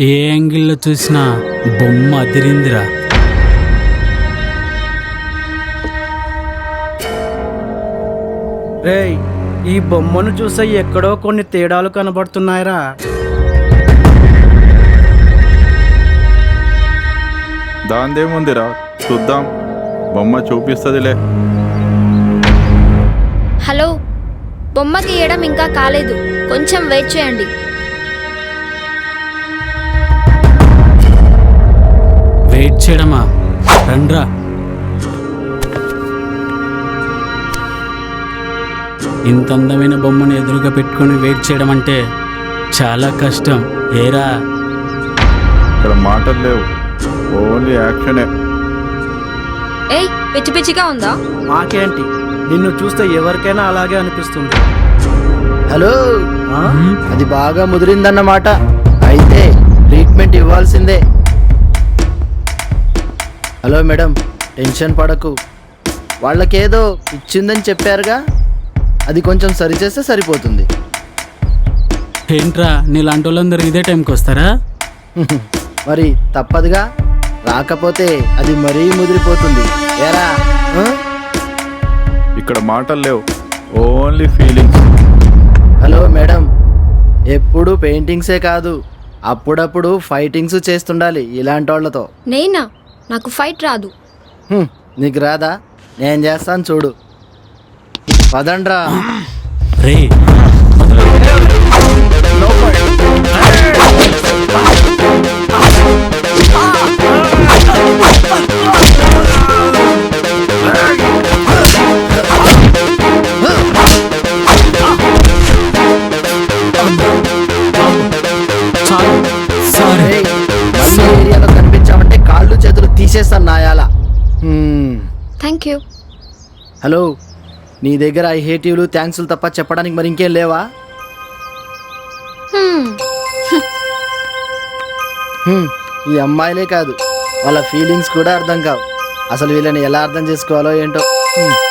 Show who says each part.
Speaker 1: ఏ యాంగిల్లో చూసినా బొమ్మ అదిరిందిరా.
Speaker 2: రేయ్, ఈ బొమ్మను చూసే ఎక్కడో కొన్ని తేడాలు కనబడుతున్నాయిరా.
Speaker 3: దాందేముందిరా, చూద్దాం, బొమ్మ చూపిస్తుందిలే.
Speaker 4: హలో, బొమ్మ గీయడం ఇంకా కాలేదు, కొంచెం వెయిట్ చేయండి.
Speaker 1: వెయిట్ చేయడమా? రండ్రా. ఇంత అందమైన బొమ్మను ఎదురుగా పెట్టుకొని వెయిట్ చేయడం అంటే చాలా కష్టం. ఏరా,
Speaker 3: ఇక్కడ మాటలు లేవు, ఓన్లీ యాక్షనే.
Speaker 4: ఏయ్, పిచ్చి పిచ్చిగా ఉందా?
Speaker 2: మాకేంటి, నిన్ను చూస్తే ఎవరికైనా అలాగే అనిపిస్తుంది.
Speaker 5: హలో,
Speaker 2: ఆ?
Speaker 5: అది బాగా ముదిరిందన్నమాట. అయితే ట్రీట్మెంట్ ఇవ్వాల్సిందే. హలో మేడం, టెన్షన్ పడకు. వాళ్ళకేదో ఇచ్చిందని చెప్పారుగా, అది కొంచెం సరిచేస్తే సరిపోతుంది.
Speaker 1: ఏంట్రా నీలాంటి వాళ్ళందరూ ఇదే టైంకి వస్తారా?
Speaker 5: మరి తప్పదుగా, రాకపోతే అది మరీ ముదిరిపోతుంది. ఏరా ఆ?
Speaker 3: ఇక్కడ మాటలు లేవు, ఓన్లీ ఫీలింగ్స్.
Speaker 5: హలో మేడం, ఎప్పుడు పెయింటింగ్సే కాదు, అప్పుడప్పుడు ఫైటింగ్స్ చేస్తుండాలి ఇలాంటి వాళ్ళతో.
Speaker 4: నేనా? నాకు ఫైట్ రాదు.
Speaker 5: నీకు రాదా? నేను చేస్తాను చూడు. పదండ్రా.
Speaker 1: రే, సారీ.
Speaker 5: ఏయ్, మళ్ళీ ఏరియాలో కనిపించామంటే కాళ్ళు చేతులు తీసేస్తాను నాయాల.
Speaker 4: Thank you.
Speaker 5: హలో, నీ దగ్గర ఐ హేట్ యూలు థ్యాంక్స్లు తప్ప చెప్పడానికి మరి ఇంకేం లేవా? ఈ అమ్మాయిలే కాదు, వాళ్ళ ఫీలింగ్స్ కూడా అర్థం కావు. అసలు వీళ్ళని ఎలా అర్థం చేసుకోవాలో ఏంటో.